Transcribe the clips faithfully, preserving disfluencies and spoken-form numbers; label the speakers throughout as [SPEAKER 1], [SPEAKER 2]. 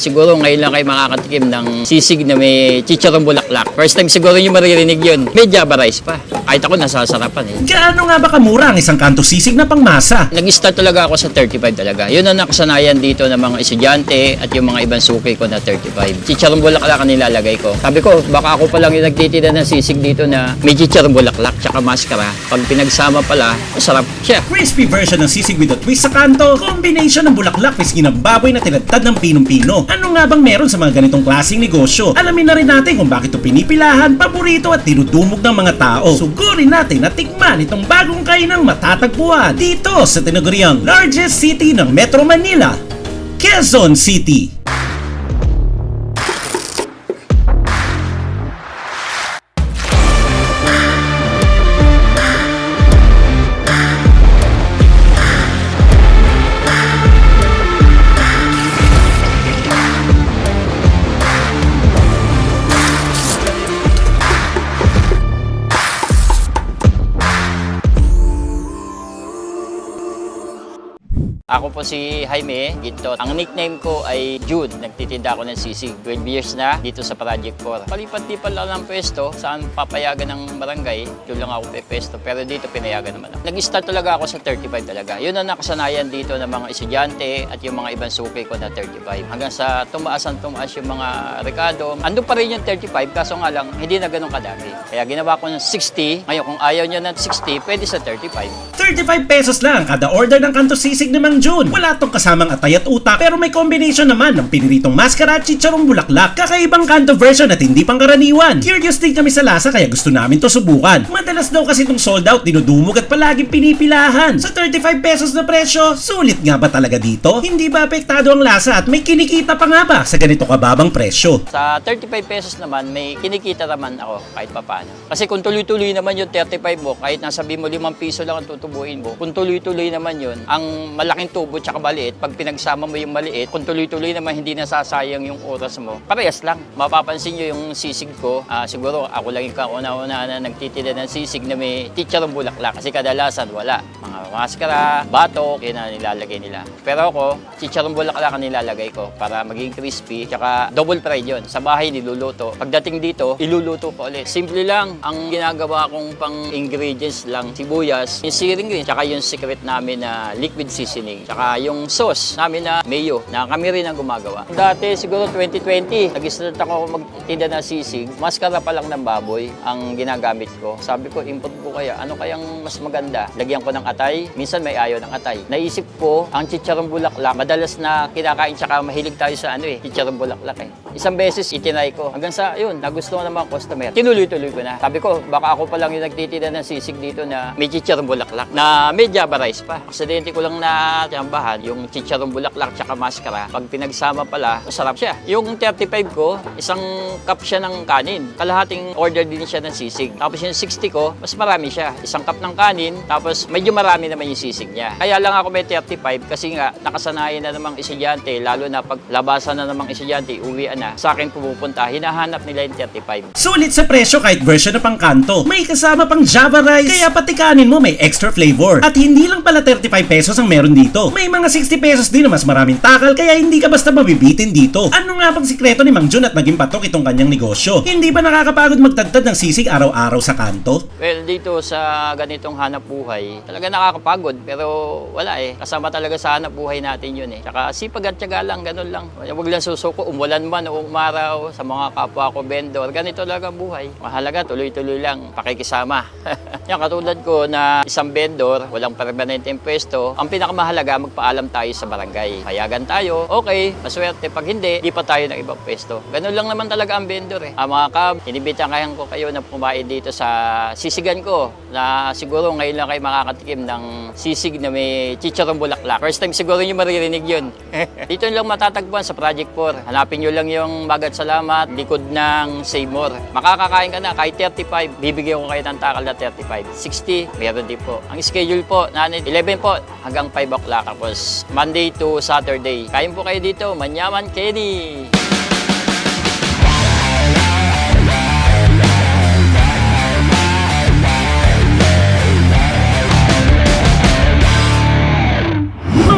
[SPEAKER 1] siguro ngayon lang kayo makakatikim ng sisig na may chicharong bulaklak. First time siguro nyo maririnig yun. May Java rice pa. Kahit ako nasasarapan eh.
[SPEAKER 2] Gaano nga ba kamura ang isang kanto sisig na pangmasa?
[SPEAKER 1] Nag-start talaga ako sa thirty-five talaga. Yun ang nakasanayan dito ng mga estudyante at yung mga ibang suki ko na thirty-five. Chicharong bulaklak ang nilalagay ko. Sabi ko, baka ako pa lang yung nagtitinda ng sisig dito na may chicharong bulaklak tsaka maskara. Pag pinagsama pala, masarap siya.
[SPEAKER 2] Crispy version ng sisig with a twist sa kanto. Combination ng bulaklak whiskey ng baboy na tinadtad ng pinong-pino. Ano nga bang meron sa mga ganitong klaseng negosyo? Alamin na rin natin kung bakit ito pinipilahan, paborito at tinudumog ng mga tao. Sugurin natin at tikman itong bagong kainang matatagpuan dito sa tinaguriang largest city ng Metro Manila, Quezon City.
[SPEAKER 1] Ako po si Jaime Gintot. Ang nickname ko ay Jude. Nagtitinda ako ng sisig. twelve years na dito sa Project four. Palipat-lipat lang ng pwesto. Saan papayagan ng barangay, doon lang ako pepesto. Pero dito pinayagan naman ako. Nag-start talaga ako sa thirty-five talaga. Yun ang nakasanayan dito ng mga estudyante at yung mga ibang suki ko na thirty-five. Hanggang sa tumaas ang tumaas yung mga rekado. Ando pa rin yung thirty-five, kaso nga lang, hindi na ganun kadami. Kaya ginawa ko ng sixty. Ngayon, kung ayaw nyo ng sixty, pwede sa thirty-five.
[SPEAKER 2] thirty-five pesos lang kada order ng kanto sisig ni Mang June. Wala tong kasamang atay at utak, pero may combination naman ng piniritong maskara at chicharong bulaklak. Kakaibang kanto version at hindi pangkaraniwan. Curious din kami sa lasa kaya gusto namin to subukan. Madalas daw kasi itong sold out, dinudumog at palaging pinipilahan. Sa thirty-five pesos na presyo, sulit nga ba talaga dito? Hindi ba apektado ang lasa at may kinikita pa nga ba sa ganito kababang presyo?
[SPEAKER 1] Sa thirty-five pesos naman, may kinikita naman ako kahit papaano. Kasi kung tuloy-tuloy naman yung thirty-five mo, kahit nasabi mo limang piso lang ang tutubuin mo, kung tuloy-tuloy naman yun, ang malaking tubo tsaka maliit, pag pinagsama mo yung maliit, kung tuloy-tuloy naman hindi nasasayang yung oras mo, parehas lang. Mapapansin nyo yung sisig ko, uh, siguro ako lang yung kauna-una na nagtitinda ng sisig na may chicharong bulaklak. Kasi kadalasan wala. Mga maskara, batok, yun ang nilalagay nila. Pero ako, chicharong bulaklak ang nilalagay ko para maging crispy, tsaka double fried yun. Sa bahay niluluto. Pagdating dito, iluluto ko ulit. Simple lang. Ang ginagawa kong pang ingredients lang, sibuyas, yung searing green, tsaka yung secret namin na liquid seasoning, tsaka yung sauce namin na mayo, na kami rin ang gumagawa. Dati siguro twenty twenty, nag-start ako magtinda ng sisig, maskara pa lang ng baboy ang ginagamit ko. Sabi ko, import ko kaya, ano kayang mas maganda? Lagyan ko ng atay, minsan may ayaw ng atay. Naisip ko, ang chicharong bulaklak, madalas na kinakain, tsaka mahilig tayo sa ano eh, chicharong bulaklak eh. Isang beses itinay ko, hanggang sa yun, nagustuhan ng mga customer. Tinuloy-tuloy ko na. Sabi ko, baka ako pa lang yung nagtitinda ng sisig dito na may chicharong bulaklak, na may Java rice pa. Aksidente ko lang na tiyambahan, yung chicharong bulaklak tsaka maskara. Pag pinagsama pala, masarap siya. Yung thirty-five ko, isang cup siya ng kanin. Kalahating order din siya ng sisig. Tapos yung sixty ko, mas marami siya. Isang cup ng kanin, tapos medyo marami naman yung sisig niya. Kaya lang ako may thirty-five kasi nga, nakasanayan na namang estudyante, lalo na pag labasan na namang estudyante, uwian na, sa akin pumupunta, hinahanap nila yung thirty-five.
[SPEAKER 2] Sulit sa presyo kahit version na pang kanto. May kasama pang Java rice, kaya pati kanin mo may extra flavor. At hindi lang pala thirty-five pesos ang meron dito. May mga sixty pesos din na mas maraming takal, kaya hindi ka basta mabibitin dito. Ano nga bang sikreto ni Mang June at naging patok itong kanyang negosyo? Hindi ba nakakapagod magtagtad ng sisig araw-araw sa kanto?
[SPEAKER 1] Well, dito sa ganitong hanap buhay, talaga nakakapagod, pero wala eh. Kasama talaga sa hanap buhay natin yun eh. Tsaka sipag at tiyaga lang, ganun lang. Huwag lang susuko, umulan man o umaraw, sa mga kapwa ko vendor, ganito talaga buhay. Mahalaga, tuloy-tuloy lang, pakikisama. Yan, katulad ko na isang vendor, walang permanenteng pwesto, ang pinakamahalaga, magpaalam tayo sa barangay. Payagan tayo, okay, maswerte. Pag hindi, di pa tayo ng ibang pwesto. Ganun lang naman talaga ang vendor eh. Ah, mga kab, inibitahan ko kayo na pumain dito sa sisigan ko, na siguro ngayon lang kayo makakatikim ng sisig na may chicharong bulaklak. First time siguro nyo maririnig yun. Dito lang matatagpuan sa Project four. Hanapin nyo lang yung Magat Salamat, likod ng Save More. Makakakain ka na kahit thirty-five, bibigyan ko kayo ng takal na thirty-five. sixty, meron din po. Ang schedule po, nanin, eleven po, hanggang five o'clock. Tapos Monday to Saturday. Kain po kayo dito, Manyaman Kenny!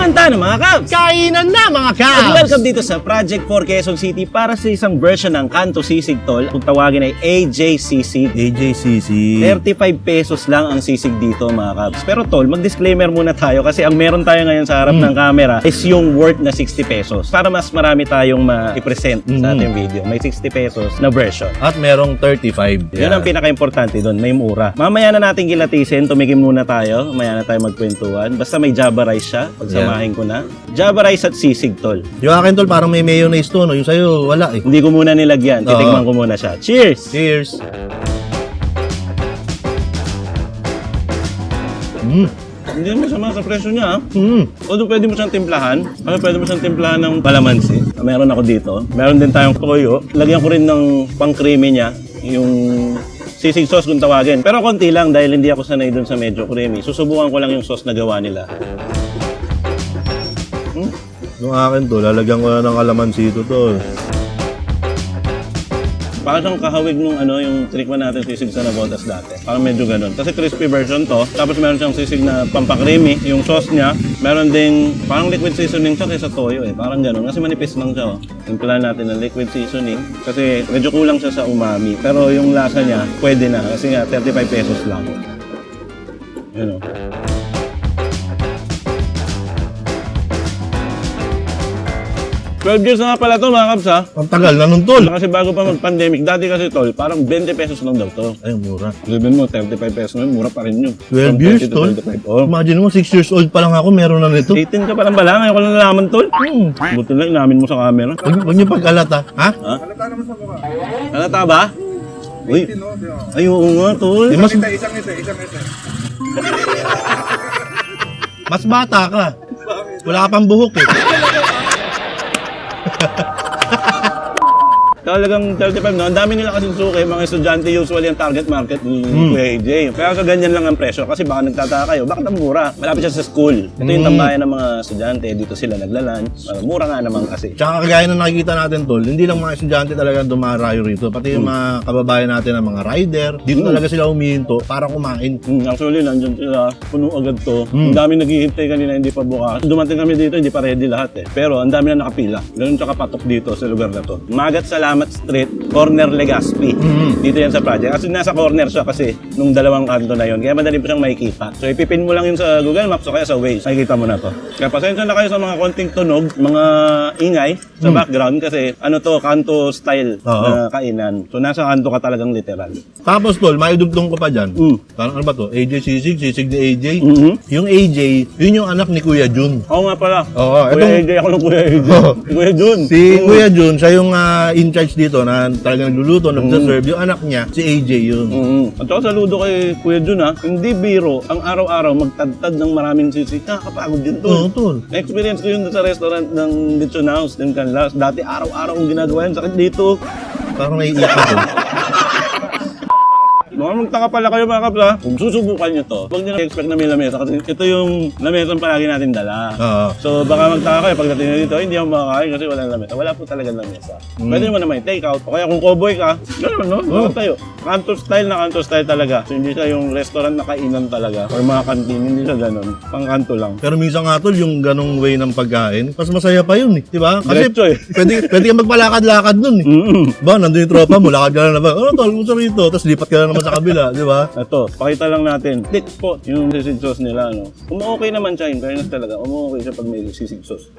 [SPEAKER 2] Benta na mga Kabs!
[SPEAKER 3] Kainan na mga
[SPEAKER 2] At
[SPEAKER 3] Kabs!
[SPEAKER 2] welcome dito sa Project four Quezon City para sa isang version ng Kanto Sisig Tol. Kung tawagin ay A J Sisig.
[SPEAKER 3] A J C C.
[SPEAKER 2] thirty-five pesos lang ang sisig dito mga Kabs. Pero Tol, mag-disclaimer muna tayo kasi ang meron tayo ngayon sa harap ng camera is yung worth na sixty pesos. Para mas marami tayong ma-present sa ating video. May sixty pesos na version.
[SPEAKER 3] At merong thirty-five.
[SPEAKER 2] Yun ang pinaka-importante doon, may mura. Mamaya na natin kilatisin, tumigim muna tayo. Mamaya na tayo magkwentuhan. Basta may Java rice siya, pagsamahin ko na. Java rice at sisig Tol.
[SPEAKER 3] Yung akin tol parang may mayonnaise to, no? Yung sa'yo wala eh.
[SPEAKER 2] Hindi ko muna nilagyan,
[SPEAKER 3] Oo.
[SPEAKER 2] titikman ko muna siya. Cheers!
[SPEAKER 3] Cheers! Mm.
[SPEAKER 2] Hindi mo sama sa presyo niya, ha?
[SPEAKER 3] Mm.
[SPEAKER 2] Although pwede mo siyang timplahan, ano pwede mo siyang timplahan ng palamansi. Meron ako dito. Meron din tayong toyo. Lagyan ko rin ng pang-creamy niya, yung sisig sauce kung tawagin. Pero konti lang dahil hindi ako sanay dun sa medyo creamy. Susubukan ko lang yung sauce na gawa nila. Hmm?
[SPEAKER 3] Yung akin to, lalagyan ko na ng kalamansi ito tol.
[SPEAKER 2] Parang siyang kahawig nung ano, yung trickman natin sisig sa Navotas dati. Parang medyo ganun. Kasi crispy version to. Tapos meron siyang sisig na pampakreamy. Yung sauce niya, meron ding parang liquid seasoning siya kaysa toyo eh. Parang ganun. Kasi manipis lang siya. Oh. Timplahan natin ng liquid seasoning. Kasi medyo kulang siya sa umami. Pero yung lasa niya, pwede na. Kasi nga, thirty-five pesos lang. Yun oh. twelve years na nga pala to mga Kabs ha.
[SPEAKER 3] Ang tagal na nun tol.
[SPEAKER 2] Kasi bago pa mag-pandemic, dati kasi tol, parang twenty pesos lang daw to.
[SPEAKER 3] Ay, mura.
[SPEAKER 2] Sabihin mo, thirty-five pesos ngayon, mura pa rin yun.
[SPEAKER 3] twelve
[SPEAKER 2] From
[SPEAKER 3] years
[SPEAKER 2] thirty to
[SPEAKER 3] tol?
[SPEAKER 2] twenty-five. Oh.
[SPEAKER 3] Imagine mo, six years old pa lang ako, meron na nito.
[SPEAKER 2] eighteen ka pa lang pala, ngayon ko lang nalaman tol.
[SPEAKER 3] Hmm.
[SPEAKER 2] Buti na, inamin mo sa camera.
[SPEAKER 3] Huwag huwag niyo pag-alata. Ha?
[SPEAKER 2] Ha? Halata ba? Uy, ay oo nga tol.
[SPEAKER 3] Eh, mas... mas bata ka. Wala ka pang buhok eh.
[SPEAKER 2] Talagang thirty-five no? Ang dami nila kasing suki, mga estudyante usually ang target market ni
[SPEAKER 3] Mm.
[SPEAKER 2] Kuya A J. Kaya sa ganyan lang ang presyo kasi baka nagtataka kayo, bakit ang mura? Malapit siya sa school. Ito yung
[SPEAKER 3] Mm.
[SPEAKER 2] tambayan ng mga estudyante, dito sila nagla-lunch. Uh, mura nga naman kasi.
[SPEAKER 3] Tsaka kagaya na nakikita natin tol, hindi lang mga estudyante talaga dumarayo rito, pati yung mga kababayan natin ng mga rider, dito
[SPEAKER 2] Mm.
[SPEAKER 3] talaga sila humihinto para kumain.
[SPEAKER 2] Hmm, actually, nandyan sila, puno agad to.
[SPEAKER 3] Mm.
[SPEAKER 2] Ang dami naghihintay kanina, hindi pa bukas. Dumating kami dito, hindi pa ready lahat eh. Pero ang dami na nakapila. Ganun siya kapatok dito sa lugar na to. Magat Salamat Street, corner Legazpi.
[SPEAKER 3] Mm.
[SPEAKER 2] Dito yan sa project. Kasi nasa corner siya kasi nung dalawang kanto na yon. Kaya madali po siyang makikita. So ipipin mo lang yun sa Google Maps o kaya sa Waze. Makikita mo na to. Kaya pasensya na kayo sa mga konting tunog, mga ingay sa
[SPEAKER 3] Mm.
[SPEAKER 2] background kasi ano to, kanto style
[SPEAKER 3] Oo.
[SPEAKER 2] na kainan. So nasa kanto ka talagang literal.
[SPEAKER 3] Tapos tol, may dugtong ko pa dyan.
[SPEAKER 2] Mm.
[SPEAKER 3] Parang ano ba to? A J Sisig, Sisig ni A J.
[SPEAKER 2] Mhm.
[SPEAKER 3] Yung A J, yun yung anak ni Kuya Jun.
[SPEAKER 2] Oo nga pala.
[SPEAKER 3] Oo,
[SPEAKER 2] Kuya
[SPEAKER 3] etong-
[SPEAKER 2] A J, ako ng Kuya A J.
[SPEAKER 3] Oo.
[SPEAKER 2] Kuya Jun.
[SPEAKER 3] Si Kuya Jun, siya yung ah, in charge dito na talagang nagluluto, nagsaserve. Yung anak niya, si A J yun.
[SPEAKER 2] Mm. At saka saludo kay Kuya Jun ha, hindi biro ang araw-araw magtadtad ng maraming sisig. Nakakapagod yun
[SPEAKER 3] Oo,
[SPEAKER 2] tol.
[SPEAKER 3] tol.
[SPEAKER 2] Na-experience ko yun sa restaurant ng Lechon House, ng Canlas. Dati araw-araw kong ginagawa yun. Sakit dito.
[SPEAKER 3] Parang naiiyak ako.
[SPEAKER 2] Mga magtaka pala kayo mga kapla. Kung susubukan nyo to, huwag nyo na expect na may lamesa kasi ito yung lamesa palagi natin dala.
[SPEAKER 3] Oo.
[SPEAKER 2] So baka magtaka kayo pagdating nyo dito, hindi ako makakain kasi walang lamesa. Wala po talaga lamesa.
[SPEAKER 3] Mm.
[SPEAKER 2] Pwede naman naman take out. O kaya kung cowboy ka, gano'n no?
[SPEAKER 3] Oh.
[SPEAKER 2] Oh. tayo. Kanto style na kanto style talaga. So hindi siya yung restaurant na kainan talaga or mga kantin, hindi siya gano'n. Pang kanto lang.
[SPEAKER 3] Pero minsan nga tol, yung ganong way ng pagkain, mas masaya pa yun eh. Diba? Kasi
[SPEAKER 2] Diretso eh.
[SPEAKER 3] pwede, pwede kang magpalakad-lakad nun eh.
[SPEAKER 2] Mm-mm.
[SPEAKER 3] Ba, nandun yung tropa mo, lakad ka na naman. Ano tol, gusto rito. Tapos lipat ka na naman sa kabila, di ba?
[SPEAKER 2] Ito, pakita lang natin. Thick po yung sisig sauce nila. No? Umu-okay naman siya, in fairness talaga. Umu-okay siya pag may sisig sauce.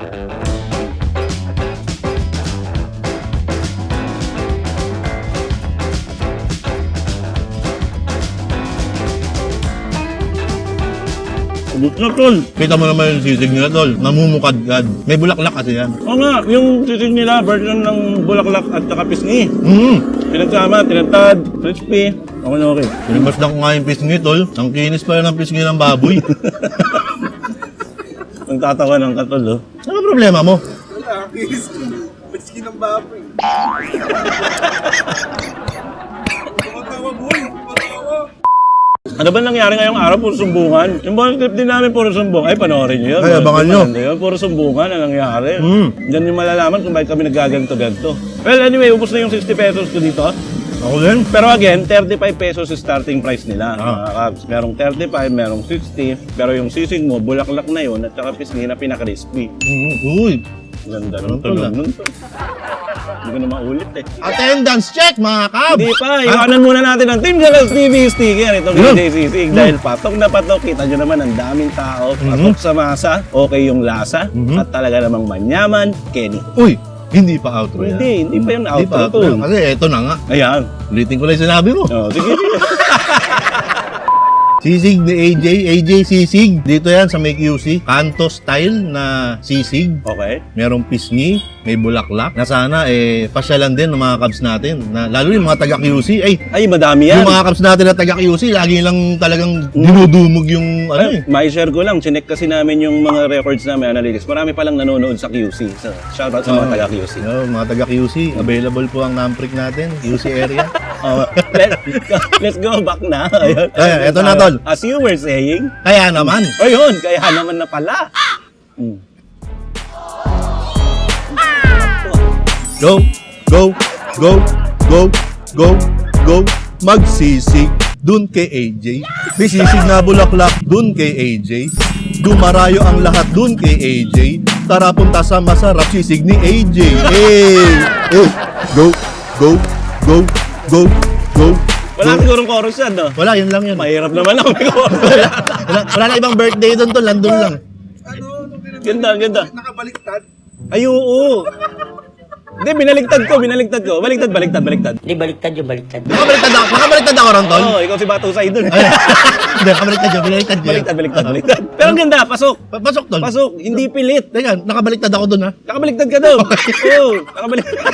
[SPEAKER 2] Ubus na, tol.
[SPEAKER 3] Kita mo naman yung sisig nila tol, namumukadkad. May bulaklak kasi yan.
[SPEAKER 2] Oo nga, yung sisig nila, version ng bulaklak at saka pisngi.
[SPEAKER 3] Mm.
[SPEAKER 2] Pinagsama, tinatad, crispy. Okay na okay.
[SPEAKER 3] Pinibas lang ko nga yung pisngi tol. Ang kinis pala ng pisngi ng baboy.
[SPEAKER 2] Ang tatawa ng katol, oh.
[SPEAKER 3] Ano problema mo?
[SPEAKER 4] Wala, kinis ko. Maski ng baboy. Tumatawa boy, tumatawa.
[SPEAKER 2] Ano ba nangyari ngayong araw? Puro sumbungan. Yung buong script din namin, puro sumbong. Ay, panoorin nyo yun.
[SPEAKER 3] Ay, abangan nyo.
[SPEAKER 2] Maganda yun. Puro sumbungan ang nangyari.
[SPEAKER 3] Mm.
[SPEAKER 2] Diyan yung malalaman kung bakit kami nagaganto-ganto. Well, anyway, ubos na yung sixty pesos ko dito.
[SPEAKER 3] Ako din.
[SPEAKER 5] Pero again, thirty-five pesos yung starting price nila.
[SPEAKER 3] Ah.
[SPEAKER 5] Mga Cubs. Merong thirty-five, merong sixty. Pero yung sisig mo, bulaklak na yun at saka pisngi na pinaka-crispy.
[SPEAKER 3] Mm, uy.
[SPEAKER 5] Ganda
[SPEAKER 3] Ano
[SPEAKER 5] ng
[SPEAKER 3] to
[SPEAKER 5] tunog
[SPEAKER 3] lang?
[SPEAKER 5] nun to. Hindi ko na maulit eh.
[SPEAKER 3] Attendance check, mga Cubs!
[SPEAKER 5] Hindi pa, iwanan muna natin ang Team Jackals T V sticker. Ito kay
[SPEAKER 3] Yun.
[SPEAKER 5] J C Sig. Dahil patok na patok, kita nyo naman ang daming tao. Patok sa masa, okay yung lasa.
[SPEAKER 3] Mhm.
[SPEAKER 5] At talaga namang manyaman, Kenny.
[SPEAKER 3] Uy, hindi pa outro yan.
[SPEAKER 5] Hindi, hindi pa yung
[SPEAKER 3] Hindi pa
[SPEAKER 5] outro
[SPEAKER 3] outro
[SPEAKER 5] to.
[SPEAKER 3] yan. Kasi eto na nga.
[SPEAKER 5] Ayan.
[SPEAKER 3] Ulitin ko lang yung sinabi mo.
[SPEAKER 5] Oh, sige, sige.
[SPEAKER 3] Sisig ni A J, A J Sisig. Dito yan sa may Q C. Kanto style na sisig.
[SPEAKER 5] Okay.
[SPEAKER 3] Merong pisngi, may bulaklak. Na sana eh pasyalan din ng mga Cubs natin. Na, lalo yung mga taga Q C. Ay,
[SPEAKER 5] Ay, madami yan.
[SPEAKER 3] yung mga Cubs natin na taga Q C, lagi lang talagang dinudumog yung ano eh.
[SPEAKER 5] Ay, may share ko lang. Chinek kasi namin yung mga records namin, analytics. Marami palang nanonood sa Q C. So, shoutout sa mga
[SPEAKER 3] Oo.
[SPEAKER 5] taga Q C.
[SPEAKER 3] Yo, mga taga Q C, available po ang Namprick natin, Q C area.
[SPEAKER 5] Oh, let, let's go back na. Ayun.
[SPEAKER 3] Ay, eto na, tol.
[SPEAKER 5] As you were saying,
[SPEAKER 3] Kaya naman,
[SPEAKER 5] o yun, kaya naman na pala. Hmm.
[SPEAKER 3] go, go, go, go, go, go, magsisig dun kay A J. May sisig na bulaklak dun kay A J. Dumarayo ang lahat dun kay A J. Tara punta sa masarap sisig ni A J. Hey! Hey! Go, go, go, go, go,
[SPEAKER 5] Wala
[SPEAKER 3] go.
[SPEAKER 5] sigurong chorus yan, no?
[SPEAKER 3] Wala, yun lang yun.
[SPEAKER 5] Mahirap naman ako may chorus.
[SPEAKER 3] Wala, wala na ibang birthday doon to, landon lang.
[SPEAKER 4] Ano? Ano pinag-
[SPEAKER 5] Ganda, ganda.
[SPEAKER 4] Nakabaliktad.
[SPEAKER 5] Ay, oo. Hindi, binaligtad ko, binaligtad ko. Baliktad, baliktad, baliktad.
[SPEAKER 6] Di baliktad yung baliktad.
[SPEAKER 3] Nakabaliktad ako, nakabaliktad ako ron, tol.
[SPEAKER 5] Oo, ikaw si Batusay dun.
[SPEAKER 3] Ay, hindi, nakabaliktad yun, binaliktad yun.
[SPEAKER 5] Baliktad, baliktad, baliktad. Pero ang ganda, pasok.
[SPEAKER 3] Pa- Pasok, tol.
[SPEAKER 5] Pasok, hindi pilit.
[SPEAKER 3] Teka, nakabaliktad ako doon, ha?
[SPEAKER 5] Nakabaliktad ka daw. Oo, nakabaliktad.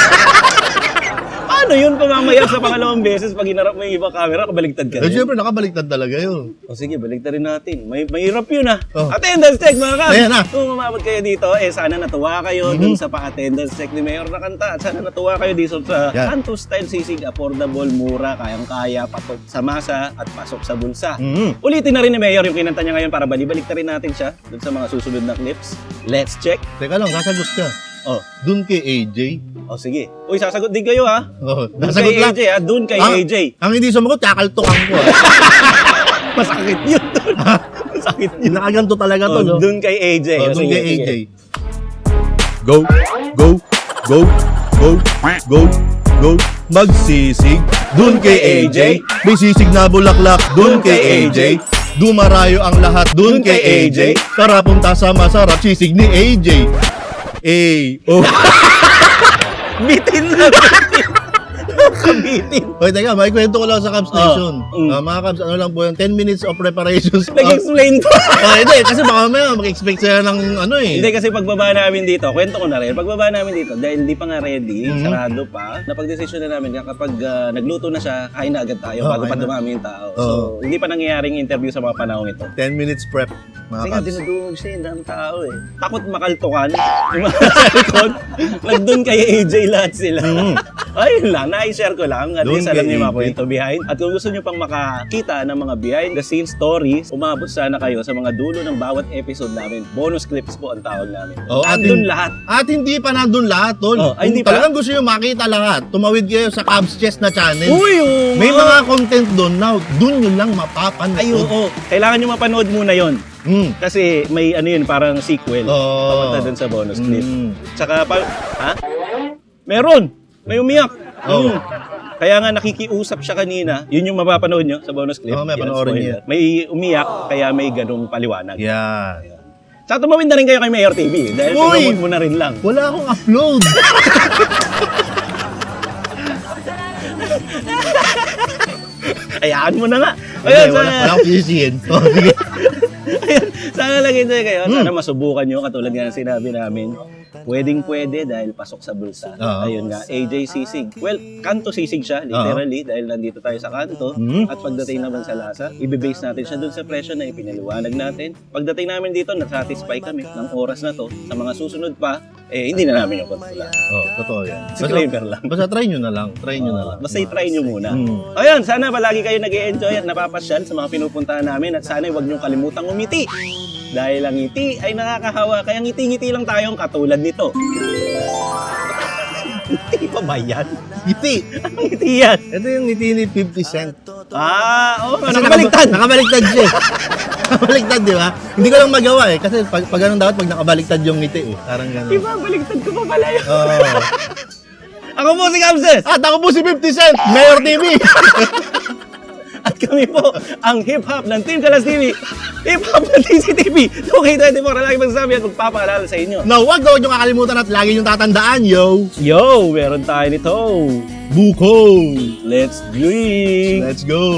[SPEAKER 5] Paano yun pamamaya sa pangalawang beses pag hinarap mo yung ibang camera, kabaliktad ka
[SPEAKER 3] Eh,
[SPEAKER 5] rin?
[SPEAKER 3] syempre, nakabaliktad talaga yun.
[SPEAKER 5] O sige, baliktad rin natin. May mahirap yun ah.
[SPEAKER 3] Oh.
[SPEAKER 5] Attendance check mga kap.
[SPEAKER 3] Ayan na.
[SPEAKER 5] Kung umabot kayo dito, eh sana natuwa kayo dun sa pa-attendance check ni Mayor na kanta. At sana natuwa kayo dito sa
[SPEAKER 3] Yan.
[SPEAKER 5] Kanto Style Sisig, affordable, mura, kayang-kaya, patok sa masa at pasok sa bulsa.
[SPEAKER 3] Mhm.
[SPEAKER 5] Ulitin na rin ni Mayor yung kinanta niya ngayon para balibalik na rin natin siya dun sa mga susunod na clips. Let's check.
[SPEAKER 3] Teka lang, sasagot ka.
[SPEAKER 5] Oh,
[SPEAKER 3] Doon kay A J.
[SPEAKER 5] oh sige. Uy, sasagot din kayo ha.
[SPEAKER 3] Oh,
[SPEAKER 5] Dun
[SPEAKER 3] sasagot
[SPEAKER 5] kay
[SPEAKER 3] lang.
[SPEAKER 5] A J ha, dun kay
[SPEAKER 3] Ang-
[SPEAKER 5] A J.
[SPEAKER 3] Ang hindi sumagot, kakaltukan ko. ah.
[SPEAKER 5] Masakit yun dun. Masakit yun.
[SPEAKER 3] Nakaganto talaga to, no?
[SPEAKER 5] Oh, dun kay A J.
[SPEAKER 3] Oh,
[SPEAKER 5] Oh,
[SPEAKER 3] doon
[SPEAKER 5] sige,
[SPEAKER 3] kay A J.
[SPEAKER 5] sige.
[SPEAKER 3] Go, go, go, go, go, go, magsisig. Doon kay A J. May sisig na bulaklak. Doon kay A J. Dumarayo ang lahat. Doon kay A J. Tara punta sa masarap sisig ni A J. A, O.
[SPEAKER 5] Bitin na, bitin. Kabitin.
[SPEAKER 3] Hoy, teka, may kwento ko lang sa Cubs Nation.
[SPEAKER 5] Oh, mm.
[SPEAKER 3] Ah, mga Cubs, ano lang po yan, ten minutes of preparations.
[SPEAKER 5] Nag-explain pa.
[SPEAKER 3] Oh, hindi, kasi baka may mag-expect sila ng ano eh.
[SPEAKER 5] Hindi kasi pagbaba namin dito, kwento ko na rin, pagbaba namin dito, dahil hindi pa nga ready,
[SPEAKER 3] Mhm.
[SPEAKER 5] sarado pa, napag-desisyon na namin na kapag ah, nagluto na siya, kain na agad tayo
[SPEAKER 3] Oh,
[SPEAKER 5] bago pa
[SPEAKER 3] kain na.
[SPEAKER 5] dumami yung tao.
[SPEAKER 3] Oh.
[SPEAKER 5] So, hindi pa nangyayaring interview sa mga panahon ito.
[SPEAKER 3] ten minutes prep, mga
[SPEAKER 5] Kasi nga,
[SPEAKER 3] Cubs.
[SPEAKER 5] dinudungog siya, yung daming tao eh. Takot makaltukan. Yung mga sa likod, nagdun kay A J lahat sila.
[SPEAKER 3] Mhm.
[SPEAKER 5] Ayun lang, na-share ko lang. At
[SPEAKER 3] Doon
[SPEAKER 5] least alam
[SPEAKER 3] kay
[SPEAKER 5] niyo yung mga
[SPEAKER 3] A J.
[SPEAKER 5] kwento behind. At kung gusto niyo pang makakita ng mga behind the scenes stories, umabot sana kayo sa mga dulo ng bawat episode namin. Bonus clips po ang tawag namin.
[SPEAKER 3] Oh,
[SPEAKER 5] Andun
[SPEAKER 3] atin-
[SPEAKER 5] lahat.
[SPEAKER 3] At hindi pa nandun lahat, tol.
[SPEAKER 5] Oh, ay, hindi
[SPEAKER 3] Kung
[SPEAKER 5] pa?
[SPEAKER 3] talagang gusto nyo makita lahat, tumawid kayo sa Cubs Chess na channel.
[SPEAKER 5] Uy, oo
[SPEAKER 3] May
[SPEAKER 5] nga.
[SPEAKER 3] mga content doon now, doon nyo lang mapapanood.
[SPEAKER 5] Ay, oo. Kailangan niyo mapanood muna yon.
[SPEAKER 3] Mm.
[SPEAKER 5] Kasi may ano yun, parang sequel.
[SPEAKER 3] Oo.
[SPEAKER 5] Papunta dun sa bonus clip.
[SPEAKER 3] Mm.
[SPEAKER 5] Tsaka pa... Ha? Meron! May umiyak.
[SPEAKER 3] Oo.
[SPEAKER 5] Mm. Kaya nga nakikiusap siya kanina. Yun yung mapapanood nyo sa bonus clip.
[SPEAKER 3] Oo, may
[SPEAKER 5] Yan,
[SPEAKER 3] panoorin
[SPEAKER 5] spoiler.
[SPEAKER 3] niyo.
[SPEAKER 5] May umiyak, kaya may ganung paliwanag.
[SPEAKER 3] Yeah.
[SPEAKER 5] Tsaka tumawid na rin kayo kay Mayor T V. Dahil
[SPEAKER 3] Uy!
[SPEAKER 5] promote mo na rin lang.
[SPEAKER 3] Wala akong upload.
[SPEAKER 5] Ayaan mo na nga.
[SPEAKER 3] Hindi,
[SPEAKER 5] Ayun,
[SPEAKER 3] wala, wala
[SPEAKER 5] sana,
[SPEAKER 3] akong sisihin. Oh, sige.
[SPEAKER 5] ayun, sana lagi tayo kayo.
[SPEAKER 3] Hmm.
[SPEAKER 5] Sana masubukan nyo katulad nga ng sinabi namin. Pwedeng pwede dahil pasok sa bulsa.
[SPEAKER 3] Oo.
[SPEAKER 5] Ayun nga, A J Sisig. Well, kanto sisig siya, literally, dahil nandito tayo sa kanto.
[SPEAKER 3] Mhm.
[SPEAKER 5] At pagdating naman sa lasa, ibe-base natin siya dun sa presyo na ipinaliwanag natin. Pagdating namin dito, nasatisfy kami ng oras na to. Sa mga susunod pa, eh, hindi na namin yung kontrola.
[SPEAKER 3] Oh, totoo yan.
[SPEAKER 5] Disclaimer lang.
[SPEAKER 3] Basta try nyo na lang. Try nyo na lang.
[SPEAKER 5] Basta i-try nyo muna.
[SPEAKER 3] Mm.
[SPEAKER 5] Ayun, sana palagi kayo nag-i-enjoy at napapasyal sa mga pinupuntahan namin at sana huwag nyo kalimutang umiti. Dahil ang ngiti ay nakakahawa, kaya ngiti-ngiti lang tayong katulad nito. Ngiti pa ba yan?
[SPEAKER 3] Ngiti.
[SPEAKER 5] Anong ngiti yan?
[SPEAKER 3] Ito yung ngiti ni fifty Cent.
[SPEAKER 5] Ah, oo. Oh,
[SPEAKER 3] Kasi
[SPEAKER 5] nakabaliktad.
[SPEAKER 3] nakab- Nakabaliktad siya eh. Nakabaliktad, di ba? Hindi ko lang magawa eh. Kasi pag, pag ganun dapat, pag nakabaliktad yung ngiti eh. Parang gano'n.
[SPEAKER 5] Diba, baliktad ko pa pala yun.
[SPEAKER 3] Oo.
[SPEAKER 5] Ako po si Kamses.
[SPEAKER 3] At ako po si fifty Cent, Mayor T V.
[SPEAKER 5] At kami po ang hip-hop ng Team Kalas T V. Hip-hop ng T C T V. two K twenty-four na lagi magsasabi at magpapaalala sa inyo.
[SPEAKER 3] Now, wag daw nyo kakalimutan at lagi nyo tatandaan, yo.
[SPEAKER 5] Yo, meron tayo nito.
[SPEAKER 3] Buko.
[SPEAKER 5] Let's drink.
[SPEAKER 3] Let's go.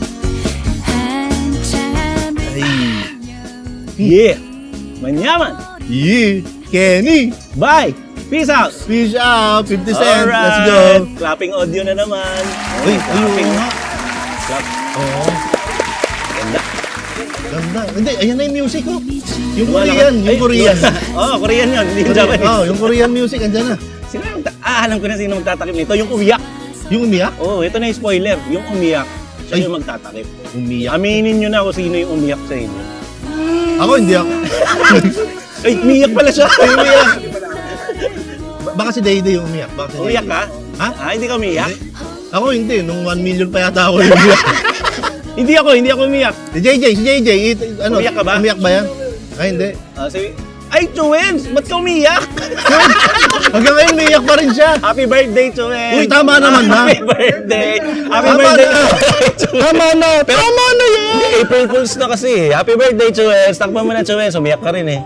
[SPEAKER 3] Ay.
[SPEAKER 5] Yeah. Manyaman.
[SPEAKER 3] Yeah. Kenny.
[SPEAKER 5] Bye. Peace out.
[SPEAKER 3] Fish out. fifty Cent.
[SPEAKER 5] Alright.
[SPEAKER 3] Let's go.
[SPEAKER 5] Clapping audio na naman.
[SPEAKER 3] Uy,
[SPEAKER 5] clapping.
[SPEAKER 3] ayun nga.
[SPEAKER 5] Clap.
[SPEAKER 3] Oo.
[SPEAKER 5] Ganda.
[SPEAKER 3] Ganda. Hindi, ayan na yung music, oh. Yung
[SPEAKER 5] Wala
[SPEAKER 3] Korean,
[SPEAKER 5] ka-
[SPEAKER 3] yung
[SPEAKER 5] Ay,
[SPEAKER 3] Korean.
[SPEAKER 5] Oo, oh, Korean yun. Hindi yung
[SPEAKER 3] Korean.
[SPEAKER 5] Japanese.
[SPEAKER 3] Oh, yung Korean music, andyan na.
[SPEAKER 5] Sino yung ta- ah, alam ko na sino magtatakip nito. Yung umiyak.
[SPEAKER 3] Yung umiyak?
[SPEAKER 5] Oo, oh, ito na yung spoiler. Yung umiyak. Siya
[SPEAKER 3] Ay.
[SPEAKER 5] yung magtatakip.
[SPEAKER 3] Umiyak.
[SPEAKER 5] Aminin nyo na kung sino yung umiyak sa inyo.
[SPEAKER 3] Ako, hindi ako.
[SPEAKER 5] Ay, umiyak pala siya.
[SPEAKER 3] Ay, umiyak. Ba- Baka si Dayday yung umiyak. Baka si
[SPEAKER 5] Umiyak
[SPEAKER 3] Dayday.
[SPEAKER 5] ka?
[SPEAKER 3] Ha?
[SPEAKER 5] Ah, hindi ka umiyak?
[SPEAKER 3] Hindi. Ako hindi. Nung one million pa yata ako yung umiyak.
[SPEAKER 5] Hindi ako, hindi ako umiyak.
[SPEAKER 3] Si J J, si J J. it- ano,
[SPEAKER 5] Umiyak ka ba?
[SPEAKER 3] Umiyak ba yan? Ay, hindi.
[SPEAKER 5] Ah, si... Ay, Chuwens! Ba't ka umiyak?
[SPEAKER 3] Hanggang ngayon, umiyak pa rin siya.
[SPEAKER 5] Happy birthday, Chuwens!
[SPEAKER 3] Uy, tama naman, ha?
[SPEAKER 5] Happy birthday! Happy
[SPEAKER 3] Tama
[SPEAKER 5] birthday!
[SPEAKER 3] na. Tama na. Tama na yan.
[SPEAKER 5] Hindi, April Fools na kasi. Happy birthday, Chuwens! Takpan mo na, Chuwens. Umiyak ka rin eh.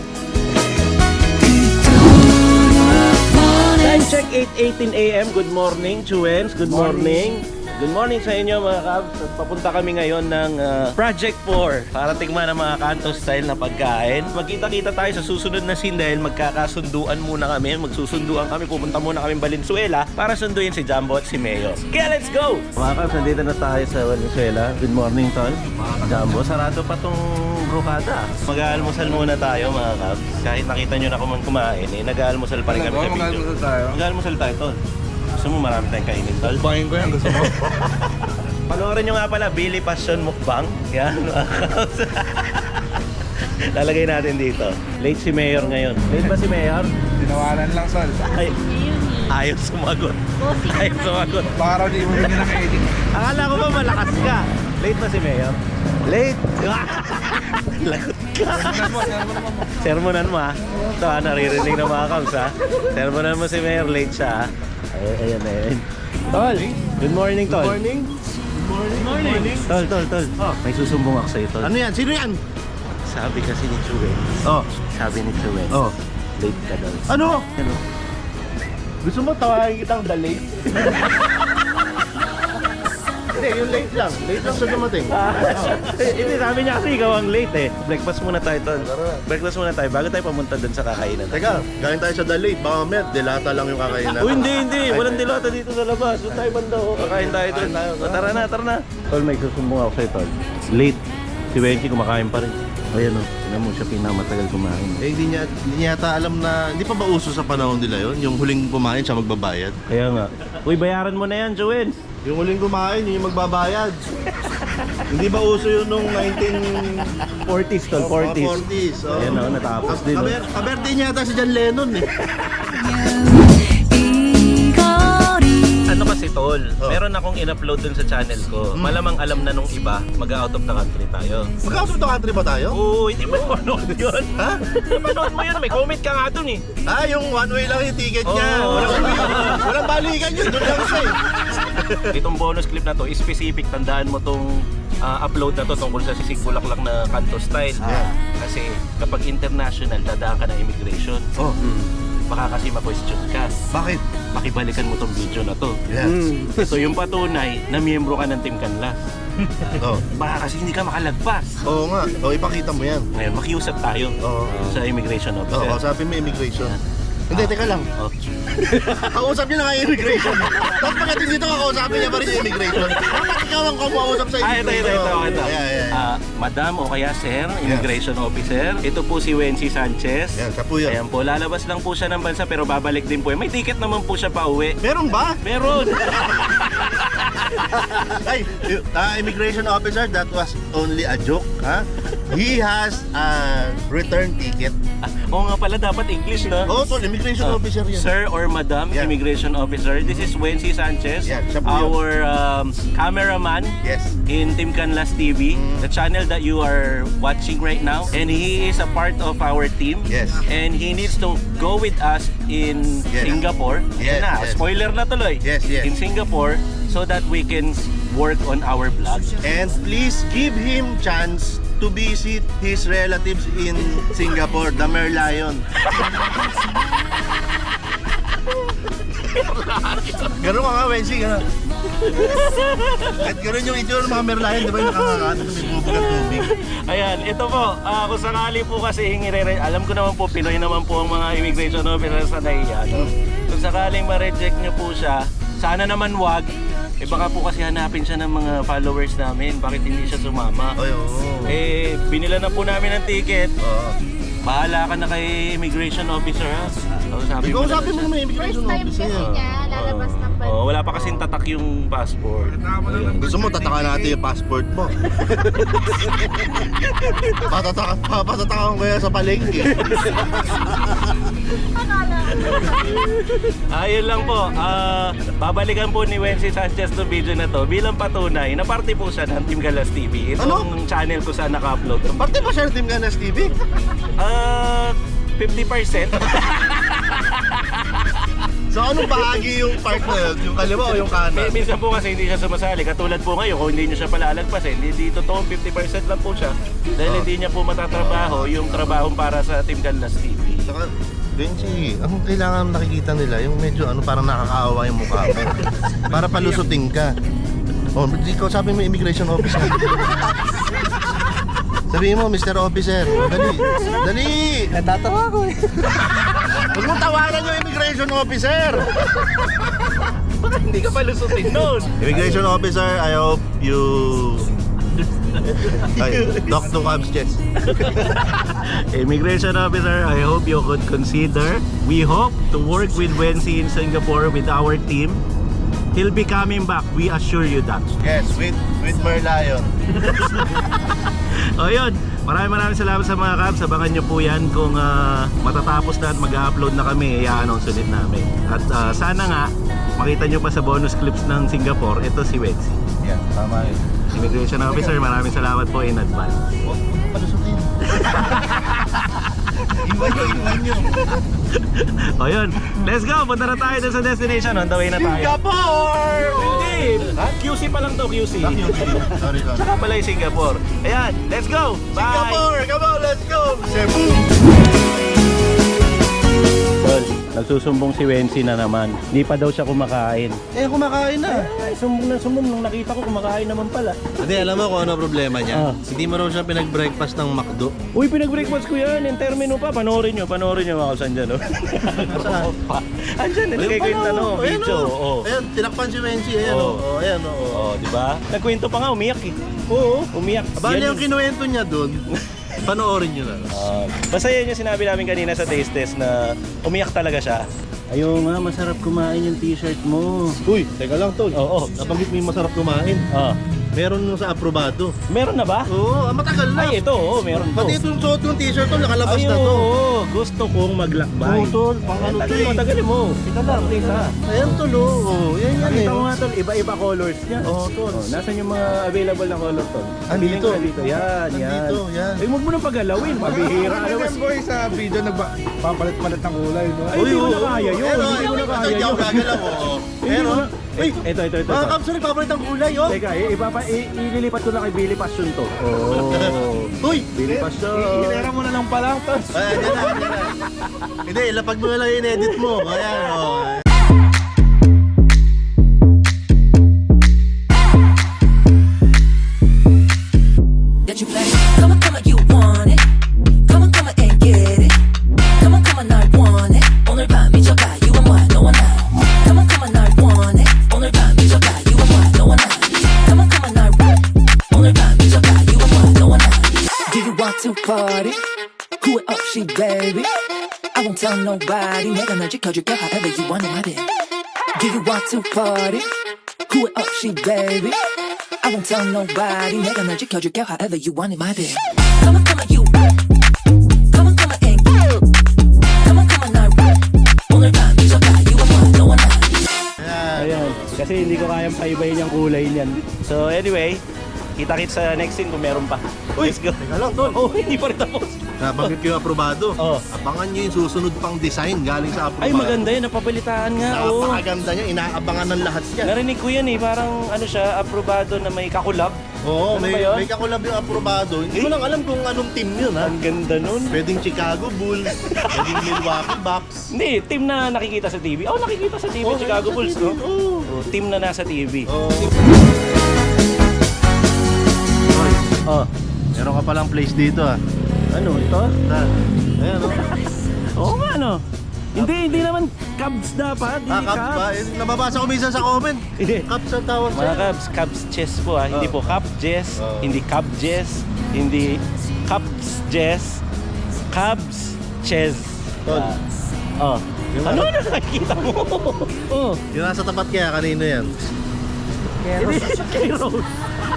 [SPEAKER 5] Time check, eight eighteen a m Good morning, Chuwens. Good morning. Good morning sa inyo mga Kabs. At papunta kami ngayon ng ah, Project four para tingnan ang mga kanto style na pagkain. Magkita-kita tayo sa susunod na scene dahil magkakasunduan muna kami. Magsusunduan kami. Pupunta muna kami Valenzuela para sunduin si Jumbo at si Mayo. Kaya let's go! Mga Kabs, nandito na tayo sa Valenzuela. Good morning, Tol. Jumbo, sarado pa tong brokada. Mag-aalmusal muna tayo mga Kabs. Kahit nakita nyo na kung kumain, eh, nag-aalmusal pa rin kami sa video.
[SPEAKER 4] Magkano tayo?
[SPEAKER 5] Mag-aalmusal tayo, Tol. Gusto mo marami tayong kainin, Tol?
[SPEAKER 4] Bahin ko yan, gusto mo?
[SPEAKER 5] Panoorin nyo nga pala, Billy Passion Mukbang. Yan, mga Kabs. Lalagay natin dito. Late si Mayor ngayon. Late ba si Mayor?
[SPEAKER 4] Tinawanan lang, Sol.
[SPEAKER 5] Ay, ayaw sumagot. Ayaw sumagot.
[SPEAKER 4] Baka raw di mo rin nila ka-edit.
[SPEAKER 5] Akala ko ba malakas ka? Late ba si Mayor? Late? Lagot ka.
[SPEAKER 4] Sermonan mo, sermonan mo.
[SPEAKER 5] Sermonan mo ha. Ito ha, naririnig ng mga Kabs ha. Sermonan mo si Mayor, late siya ha. Ay, ayan, ayan. Tol, good morning, Tol. Good morning. Good morning. Tol, Tol, Tol. May susumbong ako sa'yo, Tol.
[SPEAKER 3] Ano yan? Sino yan?
[SPEAKER 5] Sabi kasi ni Chuwen.
[SPEAKER 3] Oh.
[SPEAKER 5] Sabi ni Chuwen.
[SPEAKER 3] Oh.
[SPEAKER 5] Late ka daw.
[SPEAKER 3] Ano?
[SPEAKER 5] Ano?
[SPEAKER 3] Gusto mo tawagin kitang the late? Hindi, yung late lang. Late lang siya dumating.
[SPEAKER 5] Eh, Hindi, sabi niya kasi ikaw ang late eh. Breakfast muna tayo, Tol. Breakfast muna tayo bago tayo pamunta dun sa kakainan.
[SPEAKER 3] Teka, galing tayo sa the late. Baka may delata lang yung kakainan.
[SPEAKER 5] Uy, hindi, hindi. Walang dilata dito sa labas. Doon tayo banda. oh. Kakain tayo doon. O, tara na, tara na. Tol, may susumbong ako sa'yo, Tol. Late. Si Wenky kumakain pa rin. Ayan o. Tignan mo siya pinamatagal kumain.
[SPEAKER 3] Eh, hindi niya, hindi niya yata alam na, hindi pa ba uso sa panahon nila yon? Yung huling kumain siya magbabayad?
[SPEAKER 5] Kaya nga. Uy, bayaran mo na yan, Joel.
[SPEAKER 3] Yung huling kumain, yun yung magbabayad. Hindi ba uso yun nung nineteen
[SPEAKER 5] forties, Tol. forties.
[SPEAKER 3] forties? Oh.
[SPEAKER 5] Ayan o, natapos din. oh.
[SPEAKER 3] Kaber, kaberde niya yata si John Lennon eh.
[SPEAKER 5] Ano kasi, Tol?
[SPEAKER 3] Oh.
[SPEAKER 5] Meron akong in-upload dun sa channel ko. Malamang alam na nung iba, mag-out of the country tayo.
[SPEAKER 3] Mag-out of the country ba tayo?
[SPEAKER 5] Oo, hindi mo manood yun.
[SPEAKER 3] Ha?
[SPEAKER 5] Manood mo yun, may comment ka nga dun eh.
[SPEAKER 3] Ah, yung one way lang yung ticket niya.
[SPEAKER 5] Oo.
[SPEAKER 3] Walang, walang balikan yun, doon lang siya eh.
[SPEAKER 5] Itong bonus clip na to, specific, tandaan mo tong ah, upload na to tungkol sa Sisig Bulaklak na kanto style.
[SPEAKER 3] Yeah.
[SPEAKER 5] Kasi kapag international, dadaan ka ng immigration.
[SPEAKER 3] Oh,
[SPEAKER 5] Baka kasi ma-question ka.
[SPEAKER 3] bakit?
[SPEAKER 5] Makibalikan mo tong video na to.
[SPEAKER 3] Yes.
[SPEAKER 5] So yung patunay na miyembro ka ng Team Canlas.
[SPEAKER 3] Oh.
[SPEAKER 5] Baka kasi hindi ka makalagpas.
[SPEAKER 3] Oo nga. O, ipakita mo yan.
[SPEAKER 5] Ngayon, makiusap tayo
[SPEAKER 3] Oo.
[SPEAKER 5] sa immigration
[SPEAKER 3] Oo,
[SPEAKER 5] officer.
[SPEAKER 3] kausapin mo immigration. Hindi, teka lang.
[SPEAKER 5] Oh.
[SPEAKER 3] Kausap niya na nga yung immigration. Tapos pagdating dito, kakausapin niya pa rin yung immigration. Bakit ikaw ang kumuusap sa
[SPEAKER 5] Ah, ito,
[SPEAKER 3] immigration?
[SPEAKER 5] ito, ito, ito.
[SPEAKER 3] Yeah, yeah, yeah.
[SPEAKER 5] Ah, Madam o kaya Sir, Immigration Officer. Ito po si Wency Sanchez.
[SPEAKER 3] Yan, siya po yan.
[SPEAKER 5] Ayan po, lalabas lang po siya ng bansa pero babalik din po. May ticket naman po siya pa uwi.
[SPEAKER 3] Meron ba?
[SPEAKER 5] Meron!
[SPEAKER 3] Ay, uh, immigration officer, that was only a joke, ha? he has a return ticket.
[SPEAKER 5] Oo nga pala, dapat English, no?
[SPEAKER 3] Oh, tol, immigration
[SPEAKER 5] Ah,
[SPEAKER 3] officer yan.
[SPEAKER 5] Sir or Madam
[SPEAKER 3] Yeah.
[SPEAKER 5] Immigration Officer, this is Wency Sanchez,
[SPEAKER 3] Yeah, siya po yun.
[SPEAKER 5] our um, cameraman
[SPEAKER 3] Yes.
[SPEAKER 5] in Team Canlas T V, the channel that you are watching right now. And he is a part of our team.
[SPEAKER 3] Yes.
[SPEAKER 5] And he needs to go with us in
[SPEAKER 3] Yes.
[SPEAKER 5] Singapore.
[SPEAKER 3] Yes,
[SPEAKER 5] Ayan na,
[SPEAKER 3] yes.
[SPEAKER 5] spoiler na tuloy.
[SPEAKER 3] Yes, yes.
[SPEAKER 5] In Singapore, so that we can work on our vlog.
[SPEAKER 3] And please give him chance to visit his relatives in Singapore, the Merlion. Ganun ka nga, Wensi, gano'n. At gano'n yung itsura ng mga Merlion, di ba yung nakakakata na may bubog ng tubig?
[SPEAKER 5] Ayan, ito po, ah, kung sakali po kasi hingire, alam ko naman po, Pinoy naman po ang mga immigration officers sa naiya. No? Kung sakaling ma-reject nyo po siya, sana naman wag. Eh baka po kasi hanapin siya ng mga followers namin, bakit hindi siya sumama.
[SPEAKER 3] Ay, oo.
[SPEAKER 5] Eh, binila na po namin ng ticket.
[SPEAKER 3] Oo.
[SPEAKER 5] Bahala ka na kay immigration officer, ha? So, sabi
[SPEAKER 3] Ikaw
[SPEAKER 5] mo na
[SPEAKER 3] sabi mo
[SPEAKER 5] siya.
[SPEAKER 3] naman immigration
[SPEAKER 6] First time
[SPEAKER 3] officer.
[SPEAKER 6] kasi niya, lalabas ng bansa.
[SPEAKER 5] Oh, wala pa kasing tatak yung passport. Ayun.
[SPEAKER 3] Gusto mo, tataka natin yung passport mo. Patataka, patataka ko kaya sa palengke.
[SPEAKER 6] Akala ko.
[SPEAKER 5] Ayun lang po, ah, babalikan po ni Wency Sanchez to video na to bilang patunay na parte po siya ng Team Galas T V. Itong
[SPEAKER 3] Ano?
[SPEAKER 5] channel ko saan naka-upload.
[SPEAKER 3] Parte ba siya ng Team Ganas T V?
[SPEAKER 5] Ah, fifty percent.
[SPEAKER 3] So anong bahagi yung part na yun? Yung kaliwa o yung kanan?
[SPEAKER 5] Minsan po kasi hindi siya sumasali. Katulad po ngayon, kung hindi niyo siya palalagpasin, hindi totoong fifty percent lang po siya. Dahil
[SPEAKER 3] Oh.
[SPEAKER 5] hindi niya po matatrabaho yung trabahong para sa Team Galas T V.
[SPEAKER 3] Saka, Benji, ang kailangan nakikita nila, yung medyo ano, parang nakakaawa yung mukha mo. Para palusutin ka. Oh, ikaw sabi mo immigration officer. Sabihin mo, Mister Officer, dali, dali!
[SPEAKER 4] Natatawa ko eh.
[SPEAKER 3] Huwag mong tawanan yung immigration officer!
[SPEAKER 5] Hindi ka palusutin nun.
[SPEAKER 3] Immigration officer, I hope you... Ay, talk to Cabs Jets.
[SPEAKER 5] Immigration officer, I hope you could consider. We hope to work with Wency in Singapore with our team. He'll be coming back, we assure you that.
[SPEAKER 3] Yes, with with Merlion.
[SPEAKER 5] O yun, maraming maraming salamat sa mga Cabs. Abangan nyo po yan kung ah, matatapos na at mag-upload na kami, i-announce ulit namin. At ah, sana nga, makita nyo pa sa bonus clips ng Singapore, ito si Wency.
[SPEAKER 3] Yan, tama yun.
[SPEAKER 5] Immigration officer, maraming salamat po in advance.
[SPEAKER 3] Huwag mo palusutin. Iwan nyo, iwan nyo.
[SPEAKER 5] O yun, let's go! Punta na tayo dun sa destination. On the way na tayo.
[SPEAKER 3] Singapore!
[SPEAKER 5] Hindi! Ha? Q C pa lang to, Q C.
[SPEAKER 3] Sorry, sorry.
[SPEAKER 5] Saka pala yung Singapore. Ayan, let's go! Bye!
[SPEAKER 3] Singapore! Come on, let's go! Cebu!
[SPEAKER 5] Tol, nagsusumbong si Wency na naman. Hindi pa daw siya kumakain.
[SPEAKER 3] Eh, kumakain na.
[SPEAKER 5] Ay, sumbong na sumbong nung nakita ko kumakain naman pala.
[SPEAKER 7] Hindi, alam mo kung ano problema niya?
[SPEAKER 5] Ah.
[SPEAKER 7] Hindi mo raw siya pinag-breakfast ng McDo.
[SPEAKER 5] Uy, pinag-breakfast ko yan. Yung termino pa. Panoorin nyo. Panoorin nyo mga kausan dyan. Oh.
[SPEAKER 3] Saan?
[SPEAKER 5] Andyan, nilagay ko yung tanong.
[SPEAKER 3] Ayan,
[SPEAKER 5] Video.
[SPEAKER 3] oh.
[SPEAKER 5] Oh.
[SPEAKER 3] Ayan, tinakpan si Wensi. Ayan,
[SPEAKER 5] Oh.
[SPEAKER 3] oh. Oh, ayan, oh.
[SPEAKER 5] Oh, di ba? Nagkwento pa nga, umiyak eh. Oo, umiyak.
[SPEAKER 3] Bali,
[SPEAKER 5] Yan
[SPEAKER 3] ang kinuwento niya dun, panoorin nyo na.
[SPEAKER 5] Ah, basta yan yung sinabi namin kanina sa taste test na umiyak talaga siya. Ayaw nga, masarap kumain yung t-shirt mo.
[SPEAKER 3] Uy, teka lang, tol.
[SPEAKER 5] Oo.
[SPEAKER 3] Nabanggit mo yung masarap kumain.
[SPEAKER 5] Ah,
[SPEAKER 3] Meron nung sa aprobado.
[SPEAKER 5] meron na ba?
[SPEAKER 3] Oo, ah, matagal na.
[SPEAKER 5] Ay, ito, oo, meron to.
[SPEAKER 3] Pati itong suot ng t-shirt to, nakalabas
[SPEAKER 5] Ay,
[SPEAKER 3] na to.
[SPEAKER 5] oo, gusto kong maglakbay.
[SPEAKER 3] Oo, tol. Pang ano to
[SPEAKER 5] Tagalin mo,
[SPEAKER 3] eh.
[SPEAKER 5] tagalin mo. Ika lang, isa.
[SPEAKER 3] Ayan, tol, oh. Oh, yan yan eh.
[SPEAKER 5] Nakita mo nga tol, iba-iba colors niya.
[SPEAKER 3] Oo, tol.
[SPEAKER 5] Oh, nasan yung mga available na color tol?
[SPEAKER 3] Andito.
[SPEAKER 5] Piling ka dito. Yan, yan.
[SPEAKER 3] Andito, yan.
[SPEAKER 5] Ay, huwag mo nang pagalawin. Pabihira ka naman.
[SPEAKER 4] Ano boy sa video nagpapalit-palit ng kulay, no?
[SPEAKER 5] Ay, hindi ko na kaya yun.
[SPEAKER 3] Pero,
[SPEAKER 5] Hindi ko na kaya
[SPEAKER 3] Hindi ako
[SPEAKER 5] yun.
[SPEAKER 3] gagalaw, oo.
[SPEAKER 5] Hindi
[SPEAKER 3] Pero,
[SPEAKER 5] ko na-
[SPEAKER 3] uy,
[SPEAKER 5] Ito, ito, ito.
[SPEAKER 3] mga
[SPEAKER 5] ito.
[SPEAKER 3] kapsa, nagpapalit ang kulay, oh.
[SPEAKER 5] Teka, i- ipapa, i- ililipat ko na kay Billy Passion to. Oh.
[SPEAKER 3] Uy,
[SPEAKER 5] Billy Passion.
[SPEAKER 4] Hinera mo na lang pala, tapos
[SPEAKER 3] Ayan, yan na, yan na. Hindi, lapag mo na lang yung edit mo. Ayan, oh.
[SPEAKER 8] That you play. Come on, come on, you want it. Come on, come on and get it. Come on, come on, I want it. 오늘 밤 미쳐가, you and what, no one I. Come on, come on, I want it. 오늘 밤 미쳐가, you and what, no one I. Come on, come on, I want it. 오늘 밤 미쳐가, you and what, no one I. Do you want to party? Who it up, she baby. I won't tell nobody. 내가 널 지켜줄게, however you want it, my baby. Do you want to party? Who it up, she baby. I won't tell nobody. 내가 널 지켜줄게, however you want it, my baby. Come on, come on, you. Come on, come on, and come on, come on, 날 오늘 밤 미쳐가. You and one, no one else.
[SPEAKER 5] Ayan. Kasi hindi ko kayang paibayin yung kulay niyan. So anyway, kita-kits sa next scene kung meron pa. Let's go.
[SPEAKER 3] Teka lang, tol.
[SPEAKER 5] Oh, hindi pa rin tapos.
[SPEAKER 3] Nabanggit ko yung aprobado.
[SPEAKER 5] Oh.
[SPEAKER 3] Abangan nyo yung susunod pang design galing sa aprobado.
[SPEAKER 5] Ay, maganda yun. Napabalitaan nga. Oh.
[SPEAKER 3] Napakaganda niya. Inaabangan ng lahat yan.
[SPEAKER 5] Narinig ko yan eh. Parang ano siya, aprobado na may kakulab.
[SPEAKER 3] Oo,
[SPEAKER 5] Ano
[SPEAKER 3] may,
[SPEAKER 5] ba yun?
[SPEAKER 3] may kakulab yung aprobado. Hindi mo lang alam kung anong team yun, ha?
[SPEAKER 5] Ang ganda nun.
[SPEAKER 3] Pwedeng Chicago Bulls, pwedeng Milwaukee Bucks.
[SPEAKER 5] Hindi, team na nakikita sa T V. Oh, nakikita sa T V,
[SPEAKER 3] Oh,
[SPEAKER 5] Chicago
[SPEAKER 3] sa
[SPEAKER 5] Bulls,
[SPEAKER 3] T V,
[SPEAKER 5] no?
[SPEAKER 3] oo.
[SPEAKER 5] Oh, team na nasa T V.
[SPEAKER 3] Oh.
[SPEAKER 5] Oh,
[SPEAKER 3] Meron ka palang place dito, ha?
[SPEAKER 5] ano ito?
[SPEAKER 3] Ah, ayan, oh.
[SPEAKER 5] Oo nga, no? Hindi, hindi naman Cubs dapat.
[SPEAKER 3] Ah,
[SPEAKER 5] Hindi
[SPEAKER 3] Cubs ba? Eh, nababasa ko minsan sa comment.
[SPEAKER 5] Hindi.
[SPEAKER 3] Cubs ang tawag
[SPEAKER 5] Mga
[SPEAKER 3] sa'yo.
[SPEAKER 5] Cubs, Cubs chess po ah. Hindi
[SPEAKER 3] Oh.
[SPEAKER 5] po Cub Jess,
[SPEAKER 3] Oh.
[SPEAKER 5] hindi Cub Jess, hindi Cubs Jess, Cubs Chess.
[SPEAKER 3] Tol.
[SPEAKER 5] Oh.
[SPEAKER 3] Yung
[SPEAKER 5] Ano
[SPEAKER 3] ano?
[SPEAKER 5] na nakikita mo? Oh.
[SPEAKER 3] Yung nasa tapat kaya, kanino yan?
[SPEAKER 5] Hindi, kay Rose.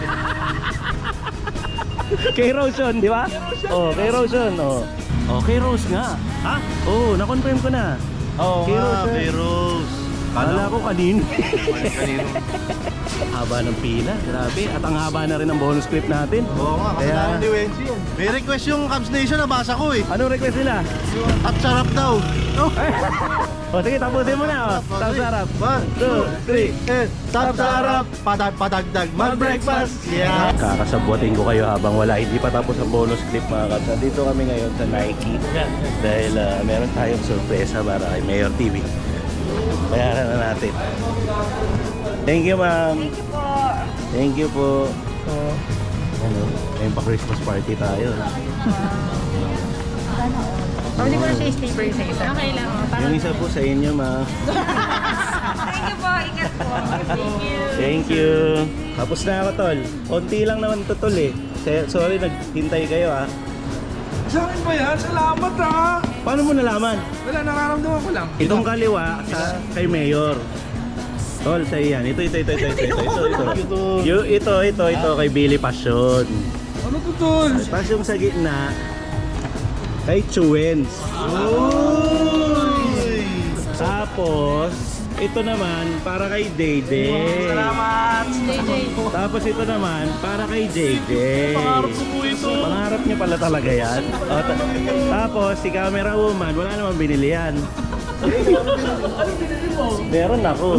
[SPEAKER 5] Kay Rose yun, di ba? Oh, kay Rose yun. Oh. Oh, kay Rose nga.
[SPEAKER 3] Ha?
[SPEAKER 5] Oh, na-confirm ko na.
[SPEAKER 3] Oo
[SPEAKER 5] Kay
[SPEAKER 3] nga,
[SPEAKER 5] Rose yun.
[SPEAKER 3] kay Rose.
[SPEAKER 5] Kala ko kanino.
[SPEAKER 3] Kanino?
[SPEAKER 5] Haba ng pila, grabe. At ang haba na rin ng bonus clip natin.
[SPEAKER 3] Oo nga,
[SPEAKER 5] Kaya-
[SPEAKER 3] kasalanan ni Wensi yan. May request yung Cubs Nation, nabasa ko eh.
[SPEAKER 5] Anong request nila?
[SPEAKER 3] At sarap daw. Oh.
[SPEAKER 5] O sige, tapusin mo na. Oh. Tap sarap.
[SPEAKER 3] One, two, three, and tap sarap. Padag, padagdag, mag-breakfast. Yeah.
[SPEAKER 5] Kakasabwatin ko kayo habang wala. Hindi pa tapos ang bonus clip mga kaps. Nandito kami ngayon sa Nike. Dahil ah, meron tayong sorpresa para kay Mayor T V. Bayaran na natin. Thank you, ma'am.
[SPEAKER 6] Thank you po.
[SPEAKER 5] Thank you po. Ano, ngayon pa Christmas party tayo.
[SPEAKER 6] Oh, hindi ko na siya i-stapler sa isa. Okay lang. Oh.
[SPEAKER 5] Yung isa po sa inyo, ma'am.
[SPEAKER 6] Thank you po. Ingat po. Thank you.
[SPEAKER 5] Thank you. Tapos na ako, tol. Konti lang naman to, tol eh. Se- Sorry, naghintay kayo ah.
[SPEAKER 4] Sa akin ba yan? Salamat ha!
[SPEAKER 5] Paano mo nalaman?
[SPEAKER 4] Wala, nararamdaman ko lang.
[SPEAKER 5] Itong kaliwa sa kay Mayor. Tol, sa iyan. Ito, ito, ito, ito, ito, ito, ito, ito. Yung ito, ito, ito, kay Billy Passion.
[SPEAKER 4] Ano to, tol?
[SPEAKER 5] Tapos yung sa gitna, kay Chuens. Tapos, ito naman, para kay Dede.
[SPEAKER 4] Salamat!
[SPEAKER 5] Tapos ito naman, para kay J J.
[SPEAKER 4] Pangarap ko po ito.
[SPEAKER 5] Pangarap niya pala talaga yan. O, ta- tapos, si camera woman, wala namang binili yan. Meron ako.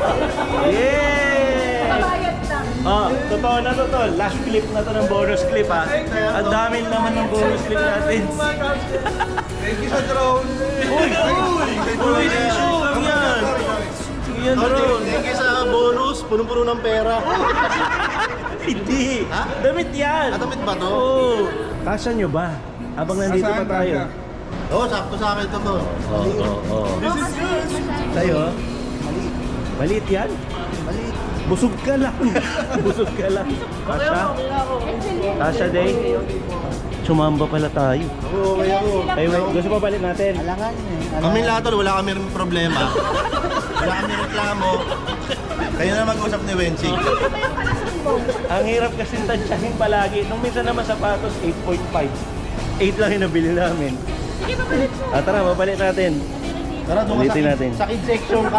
[SPEAKER 5] Yeah! Oh, totoo na to, tol. Last clip na to ng bonus clip ha. Ang dami naman ng bonus clip natin.
[SPEAKER 4] Thank you sa drone.
[SPEAKER 5] Uy! Uy! Uy! Lang yan! Yan, bro.
[SPEAKER 3] Thank you sa bonus, punong-puno ng pera.
[SPEAKER 5] Hindi.
[SPEAKER 3] Ha?
[SPEAKER 5] Damit yan.
[SPEAKER 3] Ah, damit ba to?
[SPEAKER 5] Oo. Kasya nyo ba? Habang nandito pa
[SPEAKER 4] Saan
[SPEAKER 5] tayo.
[SPEAKER 4] ka?
[SPEAKER 3] Oo, oh, sakto sa akin to to.
[SPEAKER 5] Oo, oo, oo. Sa'yo? Maliit. Maliit yan? Maliit. Busog ka lang. Busog ka lang. Kasya? Kasya, Day? Sumamba pala tayo.
[SPEAKER 3] Oo, okay ako.
[SPEAKER 5] Ay, wait. Gusto pa balik natin?
[SPEAKER 3] Kami lahat tol, wala kami rin problema. Wala kami reklamo. Kayo na mag-usap ni Wensi.
[SPEAKER 5] Ang hirap kasi tansyahin palagi. Nung minsan naman sapatos, eight point five. eight lang yung nabili namin. Ah, tara, babalik natin.
[SPEAKER 3] Tara, doon ka sa,
[SPEAKER 5] Ulitin
[SPEAKER 3] kid-
[SPEAKER 5] natin.
[SPEAKER 3] sa kid section ka.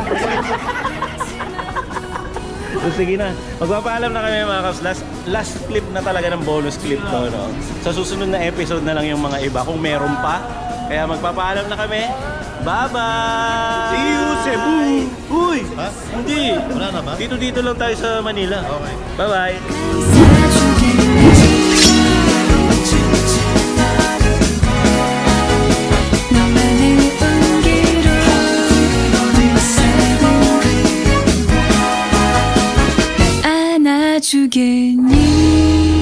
[SPEAKER 5] So, sige na. Magpapaalam na kami mga kaps. Last, last clip na talaga ng bonus clip to. No? Sa susunod na episode na lang yung mga iba kung meron pa. Kaya magpapaalam na kami. Bye-bye!
[SPEAKER 3] See you, Cebu!
[SPEAKER 5] Uy!
[SPEAKER 3] Ha?
[SPEAKER 5] Hindi!
[SPEAKER 3] Wala na ba?
[SPEAKER 5] Dito-dito lang tayo sa Manila.
[SPEAKER 3] Okay.
[SPEAKER 5] Bye-bye!
[SPEAKER 8] 너만의 온기로 안아주겠니